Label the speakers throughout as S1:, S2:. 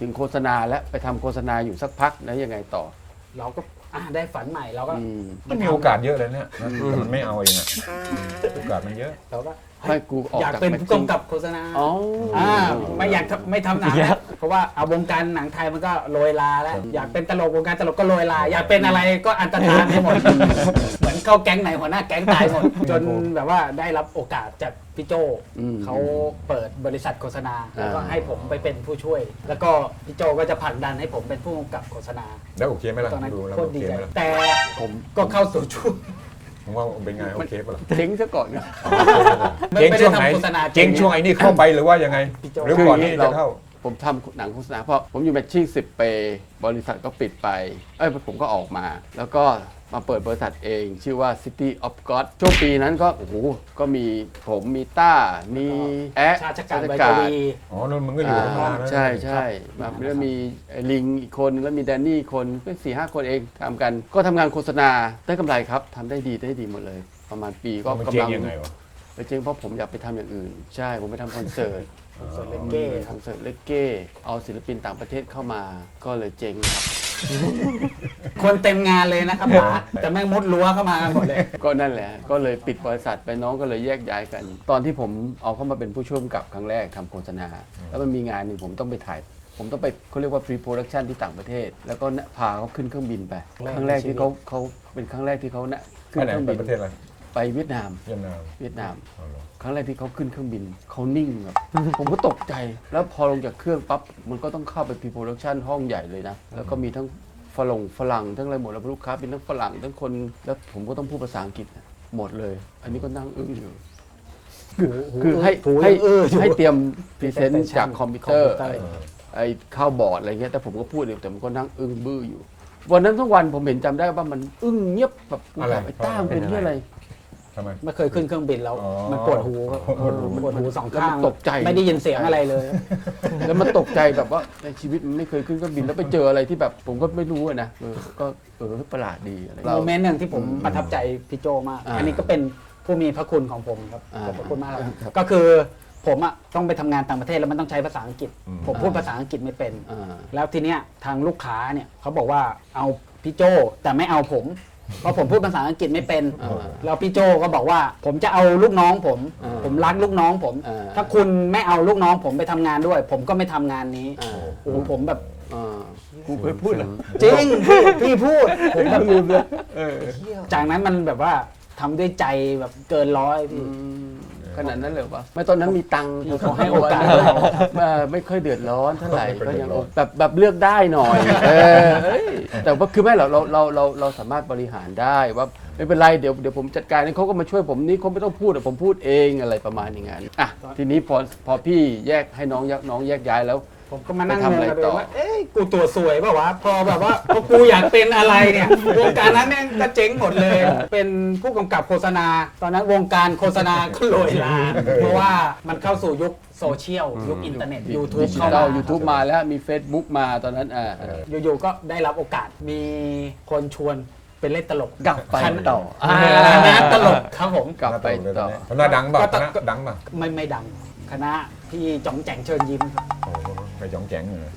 S1: ถึงโฆษณาและไปทำโฆษณาอยู่สักพักแล้วยังไงต่อ
S2: เราก็ได้ฝันใหม่เราก็
S3: มันมีโอกาสเยอะเลยเนี่ยนะแต่มันไม่เอาเองอะโอกาสมันเยอะ
S2: เราก็
S1: ให้กูออก
S2: อยาก
S1: จาก
S2: เป็น
S1: แม็ก
S2: ผู้
S1: ซิ่ง
S2: กำกับโฆษณา
S1: อ๋อ
S2: ไม่อยากไม่ทำหนังแล้วเพราะว่าเอาวงการหนังไทยมันก็โรยลาแล้วอยากเป็นตลกวงการตลกก็โรยลาอยากเป็นอะไรก็อันตรธานไปหมด เหมือนเข้าแก๊งไหนหัวหน้าแก๊งตายหมดจนแบบว่าได้รับโอกาสจากพี่โจเขาเปิดบริษัทโฆษณาแล้วก็ให้ผมไปเป็นผู้ช่วย แล้วก็พี่โจก็จะผลักดันให้ผมเป็นผู้กำกับโฆษณา
S3: แล้วโอเคไหมล่ะ
S2: ตอนนั้น
S3: ดูแล้ว
S2: โค
S3: โอ
S2: ตรดี
S3: เค
S2: ใจ
S3: ไหมล่ะ
S2: แต่
S1: ผม
S2: ก็เข้าสู่ช่วง
S3: ผมว่าเป็นไงโอเคป่ะล่ะ
S1: เจ๊งซะก่อนนะ
S2: ไม่
S3: เจ๊ง
S2: ได้
S3: ช่วงไหน
S2: ทำโฆษณา
S3: เจ๊งช่วงไอ้นี่เข้าไปหรือว่ายังไง
S2: พี่โจ
S3: หรือก่อนที่จะเข้า
S1: ผมทำหนังโฆษณาเพราะผมอยู่แมทชิ่ง10 ปีบริษัทก็ปิดไปผมก็ออกมา แล้วก็มาเปิดบริษัทเองชื่อว่า City of God ช่วงปีนั้นก็โอ้โหก็มีผมมีต้ามีแอะ
S2: ชาติการใบ
S1: ช
S2: ก
S1: ติ
S2: วี
S3: อ๋อนั่นมึงก็อยู่ข้างล่างนะ
S1: ใช่ใช่แบบแล้วมีไอ้ลิงอีกคนแล้วมีแดนนี่อีกคนเป็น4-5 คนเองทำกัน ก็ทำงานโฆษณาได้กำไรครับทำได้ดีหมดเลย ประมาณปีก็
S3: มัน
S1: กำ
S3: เจ๊ง
S1: ลัง
S3: ยังไงวะ
S1: ไปเจ๊งเพราะผมอยากไปทำอย่างอื่น ใช่ผมไปทำคอนเสิร์ต
S2: ส่วนเลเก้
S1: คอนเสิร์ตเลกเก้เอาศิลปินต่างประเทศเข้ามาก็เลยเจ๊งครับ
S2: คนเต็มงานเลยนะครับป๋าแต่แม่งมุดรั้วเข้ามากันหมดเลย
S1: ก็นั่นแหละ ก็เลยปิดบริษัทไปน้องก็เลยแยกย้ายกัน ตอนที่ผมเอาเข้ามาเป็นผู้ช่วยกำกับครั้งแรกทำโฆษณา แล้วมันมีงานหนึ่งผมต้องไปถ่าย ผมต้องไปเขาเรียกว่า pre production ที่ต่างประเทศ แล้วก็พาเขาขึ้นเครื่องบินไป ครั้งแรกที่เขาเป็นครั้งแรกที่เขาขึ้
S3: ไป
S1: น
S3: ไหน
S1: เครื่อง
S3: ไป
S1: บิน
S3: ประเทศอะไร
S1: ไปเวียดนาม
S3: เวียดนาม
S1: เวียดนาม
S3: อ๋อเหรอ
S1: ครั้งแรกที่เขาขึ้นเครื่องบินเขานิ่งแบบ ผมก็ตกใจ แล้วพอลงจากเครื่องปั๊บมันก็ต้องเข้าไป pre production ห้องใหญ่เลยนะ แล้วก็มีทั้งฝรั่งทั้งอะไรหมดแล้วลูกค้าเป็นทั้งฝรั่งทั้งคนแล้วผมก็ต้องพูดภาษาอังกฤษนะหมดเลย อันนี้ก็นั่งอึ้งอยู่คือให้เตรียมพรีเซนต์จากคอมพิวเตอร์ไอ้เข้าบอร์ดอะไรเงี้ยแต่ผมก็พูดอยู่แต่ผมก็นั่งอึ้งบื้ออยู่ วันนั้นทั้งวันผมเห็นจำได้ว่ามันอึ้งเงียบแบบกูถามไอ้ต้ามเป็นที่อะไร
S3: ทำไม
S2: ไม่เคยขึ้นเครื่องบินแล้ว
S3: อ๋อ
S2: มันปวดหูครับปวดหูสองข้าง
S1: แล้วมันตกใจ
S2: ไม่ได้ยินเสียงอะไรเลย
S1: แล้วมันตกใจแบบว่าในชีวิตมันไม่เคยขึ้นเครื่องบินแล้วไปเจออะไรที่แบบผมก็ไม่รู้อะนะก็ประหลาดดีอะไร
S2: โมเมนต์หนึ่งที่ผมประทับใจพี่โจมาก อันนี้ก็เป็นผู้มีพระคุณของผมครับขอบพระคุณมากครับก็คือผมอะต้องไปทำงานต่างประเทศแล้วมันต้องใช้ภาษาอังกฤษ ผมพูดภาษาอังกฤษไม่เป็น แล้วทีเนี้ยทางลูกค้าเนี่ยเขาบอกว่าเอาพี่โจแต่ไม่เอาผมเพราะผมพูดภาษาอังกฤษไม่เป็นแล้วพี่โจก็บอกว่าผมจะเอาลูกน้องผมรักลูกน้องผม ถ้าคุณไม่เอาลูกน้องผมไปทำงานด้วย ผมก็ไม่ทำงานนี้โอ้โหผมแบบ
S1: กูเคยพูดเหรอ
S2: จริงพี่พูดผมแบบลืมเลยจากนั้นมันแบบว่าทำด้วยใจแบบเกินร้อยพี่
S1: ขนาดนั้นเลยปะไม่ตอนนั้นมีตังค์
S2: พี่ขอให้โอกาส
S1: ไม่ค่อยเดือดร้อนเท่าไหร่ก็ยังแบบเลือกได้หน่อยแต่ว่าคือไม่หรอกเราสามารถบริหารได้ว่าไม่เป็นไรเดี๋ยวผมจัดการนี่เขาก็มาช่วยผมนี่เขาไม่ต้องพูดผมพูดเองอะไรประมาณอย่างนั้นอ่ะทีนี้พอพี่แยกให้น้องแยกย้ายแล้ว
S2: ผมก็มานั่ง
S1: ไป
S2: ง
S1: ทำ
S2: ง
S1: อะไร
S2: กับตัว
S1: ต่
S2: เอ
S1: อ
S2: งว่าเอ้ยกูตัวสวยเปล่าวะพอแบบว่าพอกูอยากเป็นอะไรเนี่ยวงการนั้นแม่งก็เจ๊งหมดเลย เป็นผู้กำกับโฆษณา ตอนนั้นวงการโฆษณาก็โรยลาเพราะว่ามันเข้าสู่ยุคโซเชียลยุคอินเทอร์เน็ต YouTube เข้ามา
S1: YouTube มาแล้วมี Facebook มาตอนนั้น
S2: อยู่ๆก็ได้รับโอกาสมีคนชวนเป็นเล่นตลก
S1: กลับไปต่อ
S2: คณะตลกครับผม
S1: กลับไปต่อ
S3: คณะดังเปล่าคณะดังเปล่า
S2: ไม่ดังคณะพี่จ๋องแจ๋งเชิญยิ้มครับ
S3: โอ้โหไปจ้องแจ๋งเลย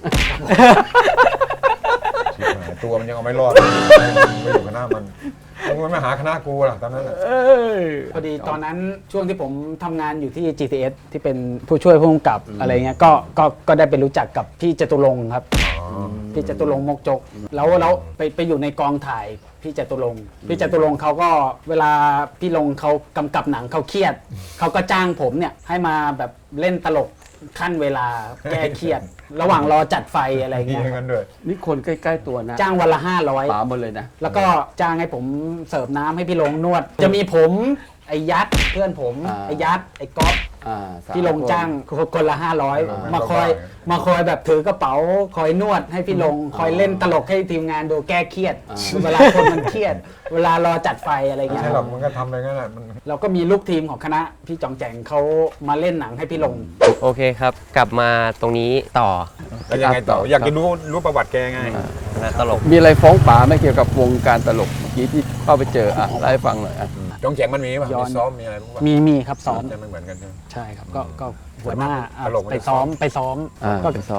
S3: ชิบหายตัวมันยังเอาไม่รอดไม่อยู่คณะมันมาหาคณะกูล่ะตอนนั้นน่ะ
S2: พอดีตอนนั้นช่วงที่ผมทำงานอยู่ที่ GTS ที่เป็นผู้ช่วยผู้กำกับอะไรเงี้ยก็ได้ไปรู้จักกับพี่จตุรงค์ครับพี่จตุรงค์มกจกแล้วไปอยู่ในกองถ่ายพี่จตุรงค์เขาก็เวลาพี่ลงเขากำกับหนังเขาเครียดเขาก็จ้างผมเนี่ยให้มาแบบเล่นตลกขั้นเวลาแก้เครียด ระหว่างรอจัดไฟอะไร
S3: มี
S2: เงี้ย
S3: เงินด้วย
S1: นี่คนใกล้ๆตัวนะ
S2: จ้างวันละ
S1: ป๋าหมดเลยนะ
S2: 500แล้วก็จ้างให้ผมเสิร์ฟน้ำให้พี่ลงนวด จะมีผมไอ้ยัดเพื่อนผมไอ้ยัดไอ้ก๊อฟพี่ลงจ้างคนละ500มาคอยแบบถือกระเป๋าคอยนวดให้พี่ลงคอยเล่นตลกให้ทีมงานดูแก้เครียดเวลาคนมันเครียด เวลารอจัดไฟอะไร
S3: ไม่
S2: เงี้ย
S3: ใช่หรอกมันก็ทำอะไรงั้นแหละมัน
S2: เราก็มีลูกทีมของคณะพี่จองแจงเขามาเล่นหนังให้พี่ลง
S4: โอเคครับ กลับมาตรงนี้ต่อ
S3: แล้วยังไงต่ออยากจะรู้ประวัติแกไง
S4: นะตลก
S1: มีอะไรฟ้องป๋าไหม่เกี่ยวกับวงการตลกเมื่อกี้ที่เข้าไปเจอเล่าให้ฟังหน่อย
S3: จ้องแจ๋งมันมีป่ะ
S2: ย้อน
S3: มีซ้อมมีอะไรบ้างป่ะ
S2: มีครับซ้อม
S3: จะไม่เหมือนกันใช่ไหม
S2: ใช่ครับก็หัวหน้า
S3: ตลกมัน
S2: ไป
S3: จะ
S2: ซ้อม
S1: ก็ไปซ้อม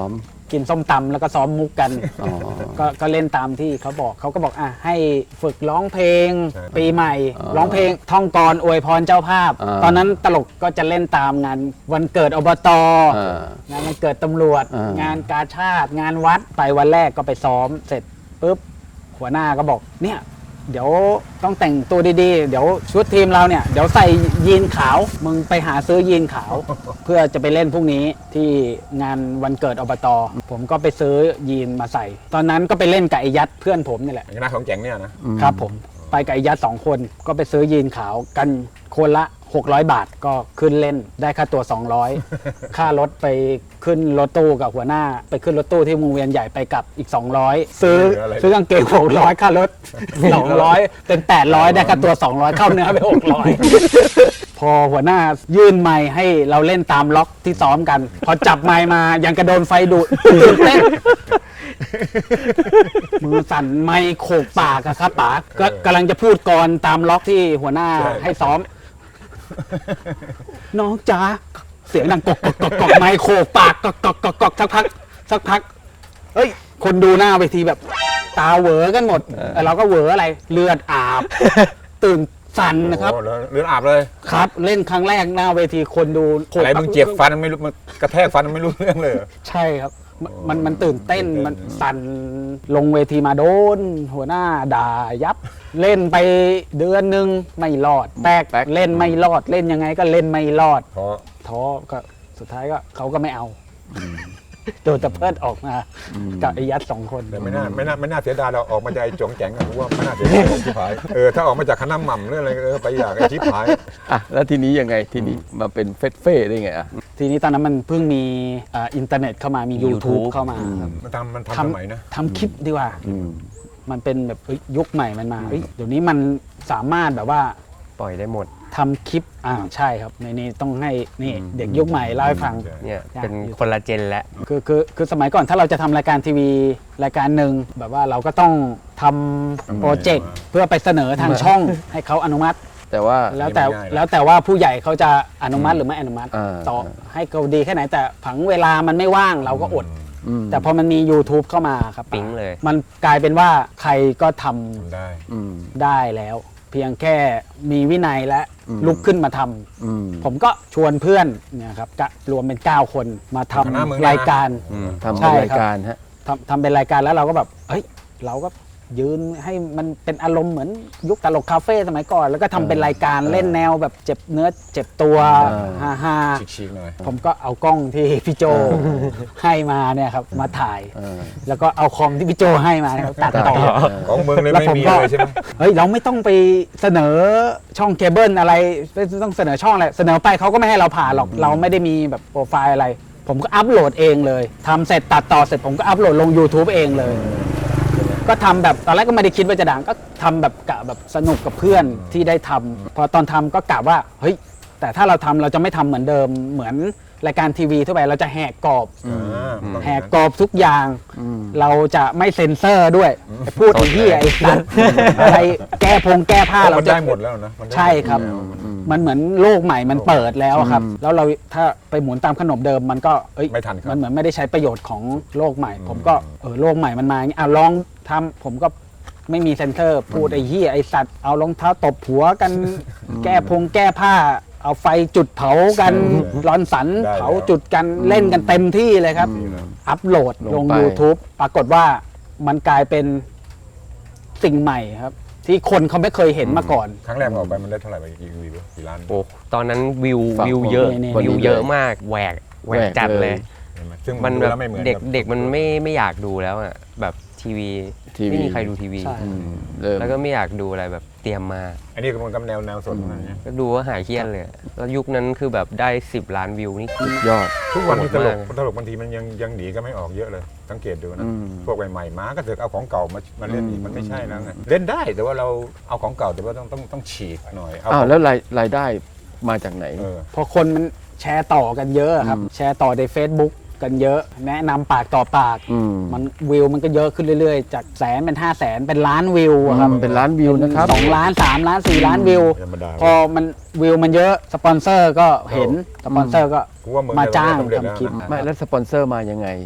S2: กินส้มตำแล้วก็ซ้อมมุกกัน
S1: อ๋อ
S2: ก็เล่นตามที่เขาบอกเขาก็บอกให้ฝึกร้องเพลง
S3: ใช่
S2: ปีใหม่
S1: อ๋อ
S2: ร้องเพลงท่องกรอวยพรเจ้าภาพ
S1: อ่า
S2: ตอนนั้นตลกก็จะเล่นตามงานวันเกิดอบต
S1: อ่า
S2: งานวันเกิดตำรวจ
S1: อ่าง
S2: งานกาชาติ งานวัดไปวันแรกก็ไปซ้อมเสร็จปุ๊บหัวหน้าก็บอกเนี่ยเดี๋ยวต้องแต่งตัวดีๆ เดี๋ยวชุดทีมเราเนี่ยเดี๋ยวใส่ยีนขาวมึงไปหาซื้อยีนขาว เพื่อจะไปเล่นพรุ่งนี้ที่งานวันเกิดอบตผมก็ไปซื้อยีนมาใส่ ตอนนั้นก็ไปเล่นกับไอ้ยัดเพื่อนผมนี่แหละ
S3: คณะของแจ๋งเนี่ยนะครับ
S2: ผมไปกับไอ้ยัด2 คนก็ไปซื้อยีนขาวกันคนละ600 บาทก็ขึ้นเล่นได้ค่าตัว 200 ค่ารถไปขึ้นรถตู้กับหัวหน้า ไปขึ้นรถตู้ที่วงเวียนใหญ่ไปกลับอีก 200 ซื้อกางเกง600ค่ารถ 200 เป็น 800 ได้ค่าตัว 200 เข้าเนื้อไป 600 พอหัวหน้ายื่นไมค์ให้เราเล่นตามล็อกที่ซ้อมกัน พอจับไมค์มายังกระโดนไฟดูดตื่นเต้น มือสั่นไมค์โขกปากอะครับป๋าก็กำลังจะพูดกรตามล็อกที่หัวหน้าให้ซ้อม น้องจ๋าเสียงดังกอกกอกกอกกอกไมค์โขกปากกอกกอกกอกกอกสักพักเฮ้ยคนดูหน้าเวทีแบบตาเหวอกันหมดเราก็เหวออะไรเลือดอาบ ตื่นสั่นนะครับ
S3: โอ้โหเลือดอาบเลย
S2: ครับเล่นครั้งแรกหน้าเวทีคนดูโขก
S3: อะไร
S2: ปาก
S3: มึงเจ็บฟันไม่รู้มันกระแทกฟันไม่รู้เรื่องเลยเหรอ
S2: ใช่ครับมันตื่นเต้นมันสั่นลงเวทีมาโดน หัวหน้าด่ายับ เล่นไปเดือนหนึงไม่รอดแตกเล่นไม่รอดเล่นยังไงก็เล่นไม่รอด
S3: เพราะ
S2: ท้อก็สุดท้ายก็เขาก็ไม่เอาโดนตะเพิดออกมากับไอ้ยัด2 คน
S3: แต่ไม่น่าเสียดายเราออกมาจากไอ้จงแจ๋งอะผมว่าไม่น่าเสียดายชิบหายถ้าออกมาจากคณะหม่ำหรืออะไรไปอยากไอ้ชิบหาย
S1: อ่ะแล้วทีนี้ยังไงทีนี้มาเป็นเฟสเฟ่ได้ไงอ่ะ
S2: ทีนี้ตอนนั้นมันเพิ่งมีอินเทอร์เน็ตเข้ามามี YouTube เข้ามาครับ
S3: มันทำสมัยนะ
S2: ทำคลิปดีกว่า
S1: อืม
S2: มันเป็นแบบยุคใหม่มันมาเดี๋ยวนี้มันสามารถแบบว่า
S4: ปล่อยได้หมด
S2: ทำคลิปใช่ครับในนี้ต้องให้นี่เด็กยุคใหม่เล่าให้ฟัง
S4: เนี่ย
S2: ใช่
S4: เป็นคนละเจนแล้ว
S2: คือสมัยก่อนถ้าเราจะทำรายการทีวีรายการหนึ่งแบบว่าเราก็ต้องทำโปรเจกต์เพื่อไปเสนอทางช่องให้เขาอนุมัติ
S1: แต่ว่า
S2: แล้วแต่ว่าผู้ใหญ่เขาจะอนุมัติหรือไม่อนุมัติ ต่อให้เขาดีแค่ไหนแต่ผังเวลามันไม่ว่างเราก็อด แต่พอมันมี YouTube เข้ามาครับ
S4: ปิ๊งเลย
S2: มันกลายเป็นว่าใครก็ทำ
S3: ทำได้
S1: อืม
S2: ได้แล้ว เพียงแค่มีวินัยและลุกขึ้นมาทำ
S1: อืม
S2: ผมก็ชวนเพื่อนเนี่ยครับก็รวมเป็น 9 คนมาท
S3: คณะมึงนะ
S2: ำรายการ
S1: ทำ
S2: ใช่
S1: เป็น
S2: ครับ
S1: รายการฮะ
S2: ทำเป็นรายการแล้วเราก็แบบเฮ้ยเราก็ยืนให้มันเป็นอารมณ์เหมือนยุคตลกคาเฟ่สมัยก่อน แล้วก็ทำเป็นรายการเล่นแนวแบบเจ็บเนื้อเจ็บตัวฮ่า
S3: ชิคๆหน่อย
S2: ๆผมก็เอากล้องที่พี่โจให้มาเนี่ยครับมาถ่าย
S1: เออ
S2: แล้วก็เอาคอมที่พี่โจให้มาเนี่ยครับตัดต่อ
S3: ของมึงเลย
S2: แล้ว
S3: ไม่
S2: ผม
S3: มี
S2: ก็
S3: เลยใช่ไหม
S2: เฮ้ยเราไม่ต้องไปเสนอช่องเคเบิลอะไรไม่ต้องเสนอช่องอะไรเสนอไปเขาก็ไม่ให้เราผ่านหรอกเราไม่ได้มีแบบโปรไฟล์อะไร ผมก็อัพโหลดเองเลยทำเสร็จตัดต่อเสร็จผมก็อัพโหลดลง YouTube เองเลย ก็ทำแบบตอนแรกก็ไม่ได้คิดว่าจะดังก็ทำแบบกะแบบสนุกกับเพื่อนที่ได้ทำพอตอนทำก็กะว่าเฮ้ยแต่ถ้าเราทำเราจะไม่ทำเหมือนเดิมเหมือนรายการทีวีทั่วไปเราจะแหกกรอบ แหกกรอบทุกอย่าง เราจะไม่เซ็นเซอร์ด้วยไอ้พูดไอ้เหี้ยไอ้สัตว์อะไรแก้ผ้าเรา
S3: มัน
S2: จะ
S3: ได้หมดแล้วนะมันได้
S2: ใช่ครับ มันเหมือนโลกใหม่มันเปิดแล้วอะครับ แล้วเราถ้าไปหมุนตามขนมเดิมมันก็เอ้ย
S3: ไม่ทันครับ
S2: มันเหมือนไม่ได้ใช้ประโยชน์ของโลกใหม่ ผมก็โลกใหม่มันมาอย่างนี้ลองทำผมก็ไม่มีเซ็นเซอร์พูดไอ้เหี้ยไอ้สัตว์เอารองเท้าตบหัวกัน แก้ผ้า เอาไฟจุดเผากันร้อนสัน
S3: ได้
S2: เผา
S3: แล้ว
S2: จุดกันเล่นกันเต็มที่เลยครับ อัพโหลดล
S1: ล
S2: ง
S1: งไป
S2: YouTube ปรากฏว่ามันกลายเป็นสิ่งใหม่ครับ ที่คนเขาไม่เคยเห็นมาก่อน
S3: ครั้งแรกมันออกไปมันได้เท่าไหร่ไปกี่วิวกี่ล้าน
S4: โอ้ตอนนั้นวิว
S1: ฝาก
S4: วิวเยอะ
S2: นี่
S4: วิวเยอะมากแหวกจัดเลย
S3: เห็นไหมซึ่ง
S4: มัน
S3: ดู
S4: แบบ
S3: แล้วไม่เหมือน
S4: เด็ก
S3: บ
S4: เด็กมันไม่อยากดูแล้วอ่ะแบบทีวีไม่มีใครดูทีวี
S2: ใช่
S1: เริ่ม
S4: แล้วก็ไม่อยากดูอะไรแบบเตรียมมา
S3: อันนี้ก็มันกำแนวสดอะไรเงี้ย
S4: ก็ดูว่าหายเครียดเลยอะแล้วยุคนั้นคือแบบได้ 10 ล้านวิวนี่คือย
S1: อด
S3: ทุกวันนี้ตลก
S4: โหดมาก
S3: ตลกบางทีมันยังหนีกันไม่ออกเยอะเลย สังเกตดูนะ
S1: อืม
S3: พวกใหม่ๆมาก็เถอะเอาของเก่ามาเล่นอีกมันไม่ใช่แล้วไงเล่นได้แต่ว่าเราเอาของเก่าแต่ว่าต้องฉีกหน่อยเอา
S1: อ้าวแล้วรายได้มาจากไหน
S3: เออ
S2: พอคนมันแชร์ต่อกันเยอะครับ แชร์ต่อใน Facebook กันเยอะ แนะนำปากต่อปาก
S1: อืม
S2: มันวิวมันก็เยอะขึ้นเรื่อยๆ จากแสนเป็น500,000เป็นล้านวิวอะครับ
S1: เป็นล้านวิวนะครับ
S2: 2 ล้าน 3 ล้าน 4 ล้านวิว
S3: ธรรมดา
S2: พอมันวิวมันเยอะสปอนเซอร์ก็เห็นสปอนเซอร์ก็
S3: กูว่ามึง
S2: มาจ้าง
S3: สำเร็จแล้ว
S2: ทำคลิป
S3: นะ
S1: ไม่แล้วสปอนเซอร์มายังไง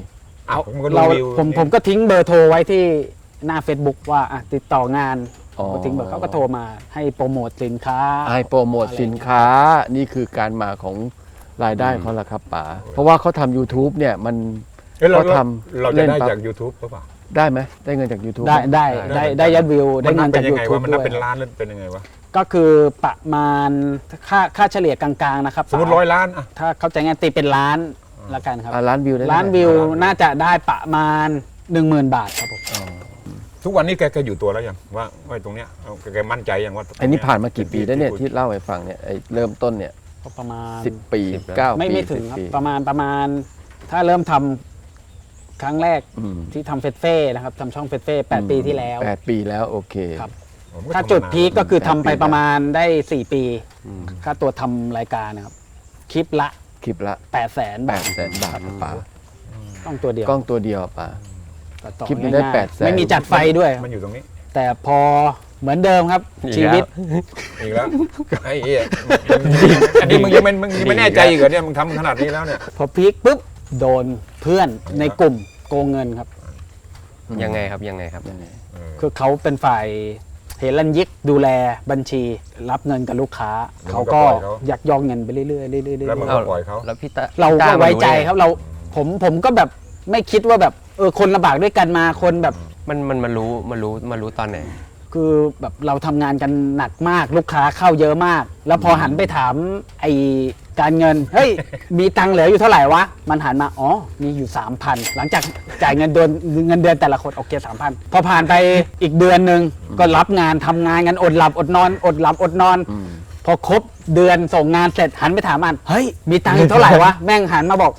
S3: อ่ะมันก็ดู
S2: เรา
S3: วิว
S2: ผมก็ทิ้งเบอร์โทรไว้ที่หน้า Facebook ว่าติดต่องาน
S1: อ๋อ
S2: ก็ทิ้งเบอร์เขาก็โทรมาให้โปรโมทสินค้า
S1: ให้โปรโมทสินค้านี่คือการมาของรายได้เขาละครับป๋าเพราะว่าเขาทำ YouTube เนี่ยมัน
S3: เอ้ยเรา
S1: เขาทำ
S3: เราจะ
S1: เล่น
S3: ได้
S1: ปั๊บ
S3: จาก YouTube หรือเปล่า
S1: ได้ไหมได้เงินจาก YouTube
S2: ได้ยอดวิวได้เงินจาก
S3: มัเป็ยังไง
S2: YouTube
S3: วะมันนับ
S2: ด้วย
S3: เป็นล้านหรือเป็นยังไงวะ
S2: ก็คือประมาณค่าเฉลี่ยกลางๆนะครับ
S3: สมมติ100 ล้านอ่ะ
S2: ถ้าเข้าใจงานตีเป็นล้านละกันครับ
S1: ล้านวิวได้
S2: ล้านวิว
S3: ล้านวิว
S2: น่าจะได้ประมาณ 10,000 บาทครับผม
S3: ทุกวันนี้แกอยู่ตัวแล้วยังว่าตรงเนี้ยเอาแกมั่นใจยังว่า
S1: อันนี้ผ่านมากี่ปีแล้วเนี่ยที่เล่าให้ฟังเนี่ยไอ้เริ่มต้นเนี่ย
S2: ก็ประมาณ
S1: 10 ปี
S4: 10
S1: 9 ปี
S2: ไม่ถึง
S1: 10
S2: ครับ
S1: ปี
S2: ประมาณถ้าเริ่มทำครั้งแรก
S1: อืม
S2: ที่ทำเฟสเฟ่นะครับทำช่องเฟสเฟ่8 ปีที่แล้ว
S1: 8 ปีแล้วโอเค
S2: ครับ
S3: ผมก็
S2: ถ้า
S3: ทำ
S2: จุด
S3: มนน
S2: พีคก็คือทำไป
S1: 8 ปี
S2: ประมาณได้ 4 ปี
S1: อืม
S2: ค่าตัวทำรายการนะครับ คลิปละ
S1: คลิปละ
S2: 800,000 บาท
S1: 800,000 บาทป๋า
S2: ต้องตัวเดียว
S1: กล้องตัวเดียวป๋า
S2: ตัดต่อ
S1: คลิปนี้ได้
S2: ง่ายๆ
S1: 800,000
S2: ไม่มีจัดไฟด้วยครับ
S3: มันอยู่ตรงนี้
S2: แต่พอเหมือนเดิมครับ
S4: อีก
S2: ชีวิต
S4: แล้ว
S3: อีกแล้วไอ้เหี้ยอันนี้มึงยังไม่แน่ใจอีกเหรอเนี่ยมึงทำขนาดนี้แล้วเนี่ย
S2: พอพีคปุ๊บโดนเพื่อนในกลุ่มโกงเงินครับ
S4: ยังไงครับยังไงครับ
S1: ยังไง
S2: คือเขาเป็นฝ่ายเฮลันยิกดูแลบัญชีรับเงินกับลูกค้า
S3: แล้ว
S2: เขาก็
S3: ก็ปล่อยเขา
S2: ยักยอกเงินไปเรื่อยๆเรื่อยๆ
S3: แล้วมึง
S2: เรื่อย
S3: ก็ปล่อยเขา
S4: แล้วพี่ตา
S2: ๆเรา
S4: พี่
S2: ก็
S4: ต้า
S2: ไว้ใจ
S4: มัน
S2: ครับผมก็แบบไม่คิดว่าแบบคนลำบากด้วยกันมาคนแบบ
S4: มันรู้ตอนไหน
S2: คือแบบเราทำงานกันหนักมากลูกค้าเข้าเยอะมาก แล้วพอหันไปถามไอการเงินเฮ้ยมีตังค์เหลืออยู่เท่าไหร่วะมันหันมาอ๋อมีอยู่ 3,000 หลังจากจ่ายเงินเดือนแต่ละคนโอเค 3,000 พอผ่านไปอีกเดือนหนึ่งก็รับงานทำงานกันอดหลับอดนอนอดหลับอดนอน พอครบเดือนส่งงานเสร็จหันไปถามมันเฮ้ยมีตังค์อยู่เท่าไหร่วะแม่งหันมาบอก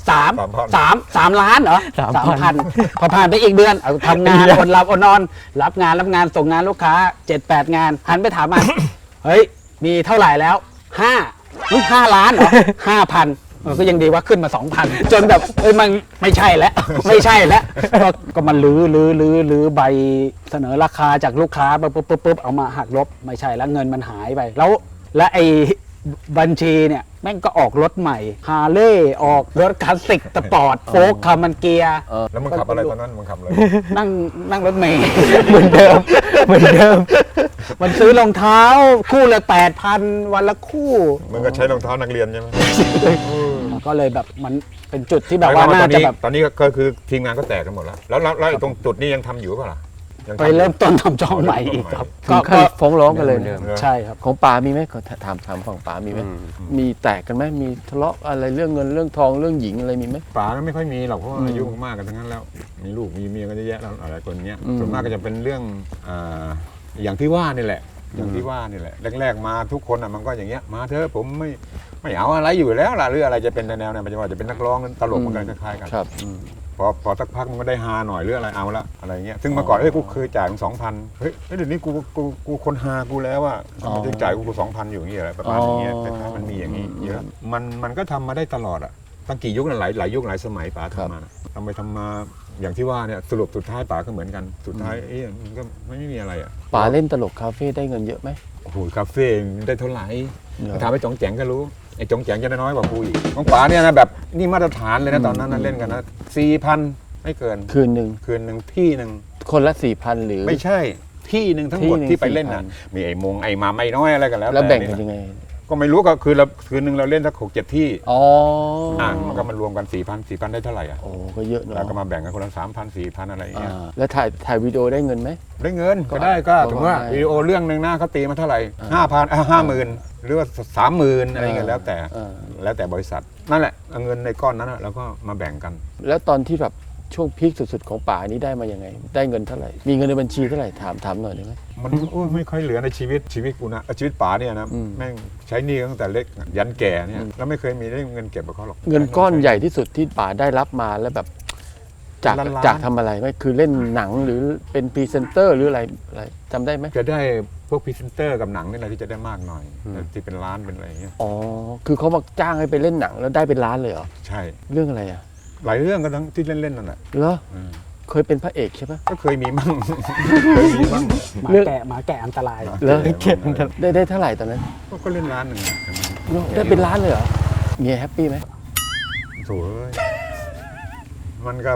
S2: 3 ล้านเหรอ 3,000 พอผ่านไปอีกเดือนเอาทำงานอดหลับอดนอน รับงานส่งงานลูกค้า 7-8 งาน หันไปถามมัน เฮ้ยมีเท่าไหร่แล้ว5 ล้านเหรอ 5,000 ก็ยังดีว่าขึ้นมา 2,000 จนแบบมันไม่ใช่แล้ว ไม่ใช่แล้วก็มันลื้อใบเสนอราคาจากลูกค้าปุ๊บเอามาหักลบไม่ใช่แล้วเงินมันหายไปและไอ้บัญชีเนี่ยแม่งก็ออกรถใหม่ฮาร์เลย์ออกรถคลาสสิกสปอร์ตโฟล์คคามันเกียร์
S3: แล้วมึงขับอะไรตอนนั้นมึงขับอะไร
S2: นั่งรถเมย์
S4: เหมือนเดิม
S2: มันซื้อรองเท้าคู่ละ 8,000 วันละคู่
S3: มึงก็ใช้รองเท้านักเรียนใช่ไหม
S2: ก็เลยแบบมันเป็นจุดที่แบบว่าน่าจะแบบ
S3: ตอนนี้ก็คือทีมงานก็แตกกันหมดแล้วแล้วตรงจุดนี้ยังทำอยู่ป่ะล่ะยัง
S2: ไป
S3: ทำอยู่
S2: เริ่มต้นทำช่องใหม่อีกครับ
S1: ถึงขั้นฟ้องร้องกันเลย
S4: เดิม
S2: ใช่ครับ
S1: ของป๋ามีไหมขอถามฝั่งป๋ามีไหม
S4: อืม
S1: มีแตกกันไหมมีทะเลาะอะไรเรื่องเงินเรื่องทองเรื่องหญิงอะไรมีไหม
S3: ป๋าก็ไม่ค่อยมีหรอกเพราะว่าอายุมากกันทั้งนั้นแล้ว มีลูกมีเมียกันเยอะแยะแล้วหลายคนเนี้ย
S1: อืม
S3: ส่วนมากก็จะเป็นเรื่องอย่างที่ว่านี่แหละ อย่างที่ว่านี่แหละแรกๆมาทุกคนอ่ะมันก็อย่างเงี้ยมาเถอะผมไม่เอาอะไรอยู่แล้วล่ะหรืออะไรจะเป็นแนวเนี่ยมันจะว่าจะเป็นนักร้องตลกเหมือนกันคล้ายๆกัน
S1: ครับ
S3: พอสักพักมันก็ได้ฮาหน่อยหรืออะไรเอาละอะไรเงี้ยซึ่งเมื่อก่อนกูเคยจ่ายมึง2,000เฮ้ยเดี๋ยวนี้กูคนฮากูแล้วอ่ะมันจะจ่ายกู2,000อยู่อย่างเงี้ยอะไรประมาณอย่างเงี้ยคล้ายๆมันมีอย่างงี้เยอะมันก็ทำมาได้ตลอดอ่ะตั้งกี่ยุคน่ะหลายยุคหลายสมัยป๋าทำมานะทำไปทำมาอย่างที่ว่าเนี่ยสรุปสุดท้ายป๋าก็เหมือนกันสุดท้ายมันก็ไม่มีอะไรอ่ะ
S1: ป๋าเล่นตลกคาเฟ่ได้เงินเยอะไหม
S3: โอ้โหคาเฟ่ได้เท่าไหร่
S1: เหรอ
S3: ถามไอ้จองแจงก็รู้ไอ้จองแจงจะได้น้อยกว่ากูอีกของป๋าเนี่ยนะแบบนี่มาตรฐานเลยนะตอนนั้นนะเล่นกันนะ4,000ไม่เกิน
S1: คืนหนึ่ง
S3: คืนหนึ่งที่หนึ่ง
S1: คนละ 4,000 หรือ
S3: ไม่ใช่ที่หนึ่งทั้งหมด
S1: ที่หนึ่ง
S3: ที่ไปเล่นน่ะ
S1: 4,000
S3: มีไอ้มงไอ้มาไม่น้อยอะไรกันแล้ว
S1: แล้วแบ่งกัน
S3: ต่
S1: ยังไง
S3: ก็ไม่รู้ก็คือเราคืนหนึ่งเราเล่นสัก6-7 ที่
S1: อ๋อ
S3: มันก็มารวมกัน4,000ได้เท่าไหร่อ่ะ
S1: โอ้ก็เยอะเนอะ
S3: แล้วก็มาแบ่งกันคนละ3,000-4,000อะไรอย่างเงี้ย
S1: แล้วถ่ายวิดีโอได้เงินไหม
S3: ได้เงินก็ได้ก็
S1: ก็
S3: ถึงว่า
S1: ได้
S3: วิดีโอเรื่องหนึ่งหน้าเขาตีมาเท่าไหร่
S1: อ่า
S3: 50,000หรือว่า30,000อะไรเงี้ยแล้วแต่
S1: อ่า
S3: แล้วแต่บริษัทนั่นแหละเอาเงินในก้อนนั้นน่ะแล้วก็มาแบ่งกัน
S1: แล้วตอนที่แบบช่วงพีคสุดๆของป๋านี้ได้มายังไง ได้เงินเท่าไหร่ มีเงินในบัญชีเท่าไหร่ถามหน่อยได้ไหม
S3: มันโอ้ยไม่ค่อยเหลือในชีวิตกูนะชีวิตป๋าเนี่ยนะ
S1: อืม
S3: แม่งใช้หนี้ตั้งแต่เล็กยันแก่เนี่ยแล้วไม่เคยมีได้เงินเก็บกับเขาหรอก
S1: เงินก้อนใหญ่ที่สุดที่ป๋าได้รับมาแล้วแบบจาก
S3: ล้านๆ
S1: จากทำอะไรไหมคือเล่นหนังหรือเป็นพรีเซนเตอร์หรืออะไรจำได้ไหม
S3: จะได้พวกพรีเซนเตอร์กับหนังนี่แหละที่จะได้มากหน่อยแต่ที่เป็นล้านเป็นอะไรอย่างเงี้ย
S1: อ๋อคือเขามาจ้างให้ไปเล่นหนังแล้วได้เป็นล้านเลยเหรอ
S3: ใช่
S1: เรื่องอะไรอ่ะ
S3: หลายเรื่องก็ทั้งที่เล่นๆนั่นแหละ
S1: เหรอ
S3: อืม
S1: เคยเป็นพระเอกใช่ปะ
S3: ก็เคยมีมั่ง เคยมีมั่ง
S2: หมาแก่อันตราย
S1: เหรอได้เท่าไหร่ตอนนั้น
S3: ก็เล่นล้านหนึ่งอะ
S1: ได้เป็นล้านเลยเหรอเมียแฮปปี้ไหม
S3: โถ่เอ้ยมันก็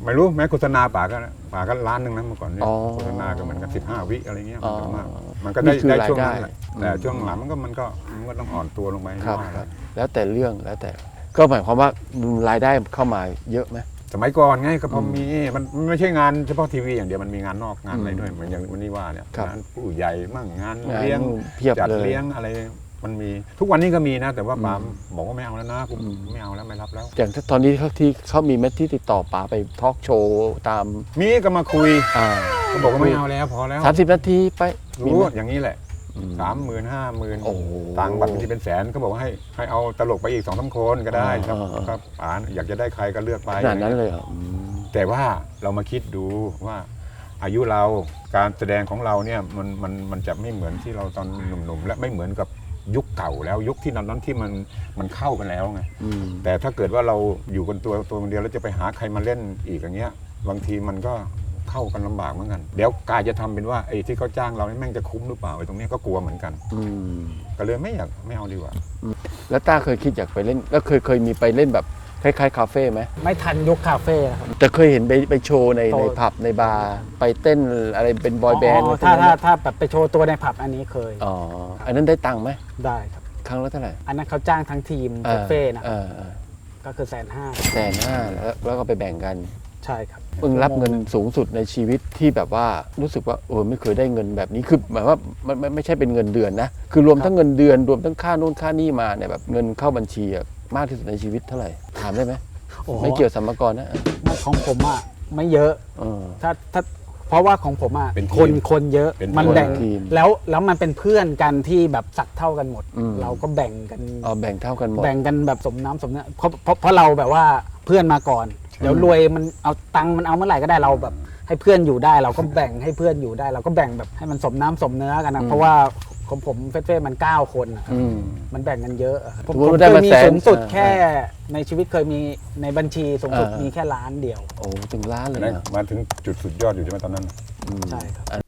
S3: ไม่รู้แม้โฆษณาป่าก็ล้านหนึงนะเมื่อก่อนเนี่ย
S1: อ๋อ
S3: โฆษณาก็เหมือนกัน15 วิอะไรเงี้ย
S1: อ๋อ
S3: มันก็ได้
S1: นี่คือ
S3: ได้ช่วง
S1: รายได้
S3: นั้นแหละแต่ช่วงหลังมันก็ต้องอ่อนตัวลงไป
S1: ครับ
S3: ว่า
S1: ครับแล้วแต่เรื่องแล้วแต่ก็หมายความว่ารายได้เข้ามาเยอะไหม
S3: สมัยก่อนไงก็พอมีมันไม่ใช่งานเฉพาะทีวีอย่างเดียวมันมีงานนอกงานอะไรด้วยเหมือนอย่างวันนี้ว่าเนี่ย
S1: ครับ
S3: งานผู้ใหญ่มั่งงาน
S1: งาน
S3: เลี้ยง
S1: เพียบ
S3: จัด
S1: เลย
S3: เลี้ยงอะไรมันมีทุกวันนี้ก็มีนะ แต่ว่าปาล์มบอกว่าไม่เอาแล้วนะกูไม่เอาแล้วไม่รับแล้ว
S1: อย่างตอนนี้ที่เขามีเม็ดที่ติดต่อป๋าไปทอล์กโชว์ตาม
S3: มีก็มาคุย
S1: 30
S3: ก็บอกว่าไม่เอาแล้วพอแล้ว
S1: นาทีไปมี
S3: รู้
S1: ไหม
S3: อย่างนี้แหละ
S1: อืม
S3: 30,000
S1: โอ้โห
S3: 50,000ตังค์บัตรบางทีเป็นแสนก็บอกว่าให้เอาตลกไปอีก2-3 คนก็ได้ครับ
S1: อ่า
S3: ครับป๋าอยากจะได้ใครก็เลือกไป
S1: ขนาดนั้นเลยเหรออืม
S3: แต่ว่าเรามาคิดดูว่าอายุเราการแสดงของเราเนี่ยมันจะไม่เหมือนที่เราตอนหนุ่มๆและไม่เหมือนกับยุคเก่าแล้วยุคที่นั้นที่มันเข้ากันแล้วไง
S1: อืม
S3: แต่ถ้าเกิดว่าเราอยู่กันตัวคนเดียวแล้วจะไปหาใครมาเล่นอีกอย่างเงี้ยบางทีมันก็เข้ากันลำบากเหมือนกันเดี๋ยวกายจะทำเป็นว่าไอ้ที่เขาจ้างเรานี่แม่งจะคุ้มหรือเปล่าไอ้ตรงเนี้ยก็กลัวเหมือนกัน
S1: อืม
S3: ก็เลยไม่เอาดีกว่า
S1: แล้วต้าเคยคิดอยากไปเล่นแล้วเคยมีไปเล่นแบบคล้ายๆคาเฟ่ไหม
S2: ไม่ทันยุคคาเฟ่นะครับ
S1: แต่เคยเห็นไปโชว์ใน
S2: โต
S1: ผับในบาร์ไปเต้นอะไรเป็นบอยแบนด์
S2: ถ้าแบบไปโชว์ตัวในผับอันนี้เคย
S1: อ๋ออันนั้นได้ตังค์ไหม
S2: ได้ครับ
S1: ครั้งละเท่าไหร่
S2: อันนั้นเขาจ้างทั้งทีมบุฟเฟ่ต์นะ ก็คือ150,000
S1: 150,000แล้วก็ไปแบ่งกัน
S2: ใช่ครับ
S1: เพิ่งรับเงินสูงสุดในชีวิตที่แบบว่ารู้สึกว่าไม่เคยได้เงินแบบนี้คือหมายว่ามันไม่ใช่เป็นเงินเดือนนะคือรวมทั้งเงินเดือนรวมทั้งค่าโน่นค่านี่มาเนี่ยแบบเงินเข้าบัญชีอะมากที่สุดในชีวิตเท่าไหร่ถามได้ไหม
S2: โอ้โห
S1: ไม่เกี่ยวสัมภาระนะ
S2: ของผมอ่ะไม่เยอะ
S1: เออ
S2: ถ้าเพราะว่าของผมอ่ะ
S3: เป็นทีม
S2: คนเยอะ
S3: เป็นทีม
S2: มันแบ่ง
S1: ทีม
S2: แล้วมันเป็นเพื่อนกันที่แบบสักเท่ากันหมด
S1: อืม
S2: เราก็แบ่งกัน
S1: เอาแบ่งเท่ากันหมด
S2: แบ่งกันแบบสมน้ำสมเนื้อเพราะเราแบบว่าเพื่อนมาก่อนเดี๋ยวรวยมันเอาตังค์มันเอาเมื่อไหร่ก็ได้เราแบบ ให้เพื่อนอยู่ได้เราก็แบ่งให้เพื่อนอยู่ได้ เราก็แบ่งแบบให้มันสมน้ำสมเนื้อกันนะเพราะว่าของผมเฟ่ๆมัน9 คนนะครับ
S1: อืม
S2: มันแบ่งกันเยอะอะผม
S1: สมมุติ
S2: ผม
S1: ว่าได้
S2: เคย
S1: มา
S2: มี
S1: แสน
S2: สูงสุด
S1: อ่า
S2: แค่ในชีวิตเคยมีในบัญชีสูงสุด
S1: อ่ามี
S2: มีแค่ล้านเดียว
S1: โอ้ถึงล้านเลย
S3: นะ
S1: นะ
S3: มาถึงจุดสุดยอดอยู่ใช่ไหมตอนนั้น
S2: ใช่ครับ